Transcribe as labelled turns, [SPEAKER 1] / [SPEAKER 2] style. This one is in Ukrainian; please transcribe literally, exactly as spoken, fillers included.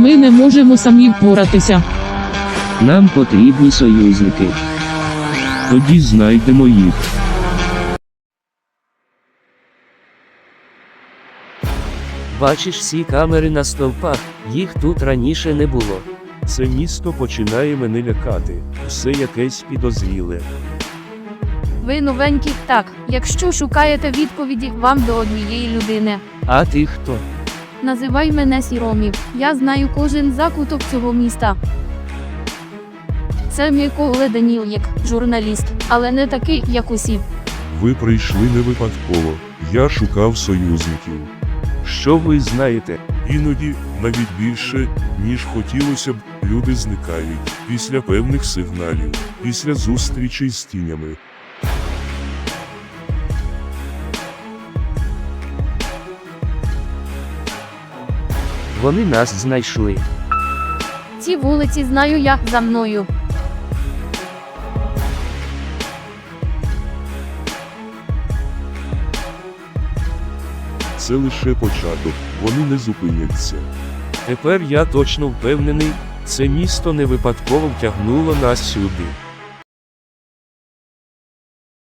[SPEAKER 1] Ми не можемо самі впоратися.
[SPEAKER 2] Нам потрібні союзники.
[SPEAKER 3] Тоді знайдемо їх.
[SPEAKER 4] Бачиш всі камери на стовпах, їх тут раніше не було.
[SPEAKER 3] Це місто починає мене лякати. Все якесь підозріле.
[SPEAKER 5] Ви новенькі, так, якщо шукаєте відповіді, вам до однієї людини.
[SPEAKER 4] А ти хто?
[SPEAKER 5] Називай мене Сіромів, я знаю кожен закуток цього міста. Це Микола Даніл'єк, журналіст, але не такий, як усі.
[SPEAKER 6] Ви прийшли не випадково. Я шукав союзників.
[SPEAKER 3] Що ви знаєте?
[SPEAKER 6] Іноді, навіть більше, ніж хотілося б, люди зникають після певних сигналів, після зустрічей з тінями.
[SPEAKER 4] Вони нас знайшли.
[SPEAKER 5] Ці вулиці знаю я, за мною.
[SPEAKER 6] Це лише початок, вони не зупиняться.
[SPEAKER 3] Тепер я точно впевнений, це місто не випадково втягнуло нас сюди.